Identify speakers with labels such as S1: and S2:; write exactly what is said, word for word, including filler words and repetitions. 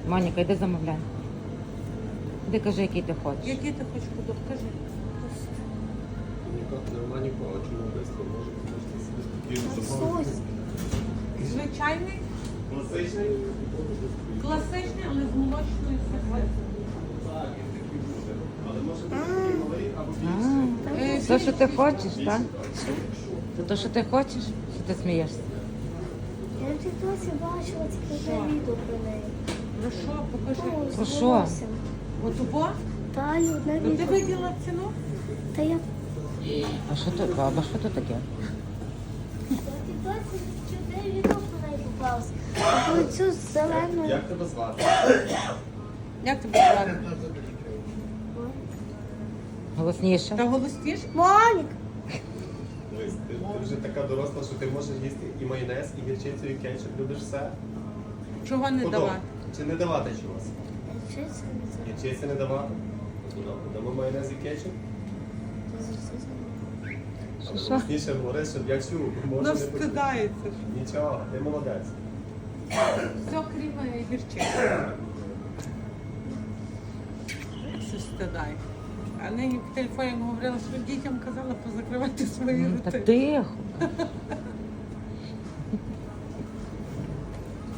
S1: Моніка, йди замовляй. Іди кажи, який ти хочеш.
S2: Який ти хочеш продукт? Кажи.
S3: Нормальненько, а чому швидко можете собі спокійно замовити?
S2: Звичайний,
S3: Класичний?
S2: класичний, але з молочною серветкою.
S3: Так, він такий буде. Але може бути такий малий або більший.
S1: А, то, що ти хочеш, так? Це то, що ти хочеш? Що ти смієшся?
S4: Я в тіктоці бачила тільки
S2: Що?
S4: одне відео про неї.
S2: Ну що, покажи.
S4: Ну, з
S1: Про що?
S4: волоссям.
S2: От убо?
S4: Та й одне
S2: Ну ти
S4: відео.
S2: виділа ціну?
S4: Та я
S1: А що то, баба, що то таке?
S4: я в тіктоці чотири відео про неї попалось. А коли цю зелену...
S3: Як тебе звати?
S2: Як тебе звати?
S1: Голосніше.
S2: Та голосніш?
S4: Монік!
S3: Дивись, ти, ти вже така доросла, що ти можеш їсти і майонез, і гірчицю, і кетчуп. Любиш все?
S2: Чого не
S3: Подобно.
S2: давати?
S3: Чи не давати чогось?
S4: Чи це не це?
S3: Гірчиці не давати? Ну, добре, дамо майонез і кетчуп. Але
S1: Що?
S3: голосніше говори, щоб я чув. Може
S2: Ну
S3: не почути.
S2: встидається ж.
S3: Нічого, ти молодець.
S2: Все крім е, гірчиці. Все стидає. А нині в телефоні говорила, що дітям казала позакривати свої
S1: Ну, та
S2: роти.
S1: тихо.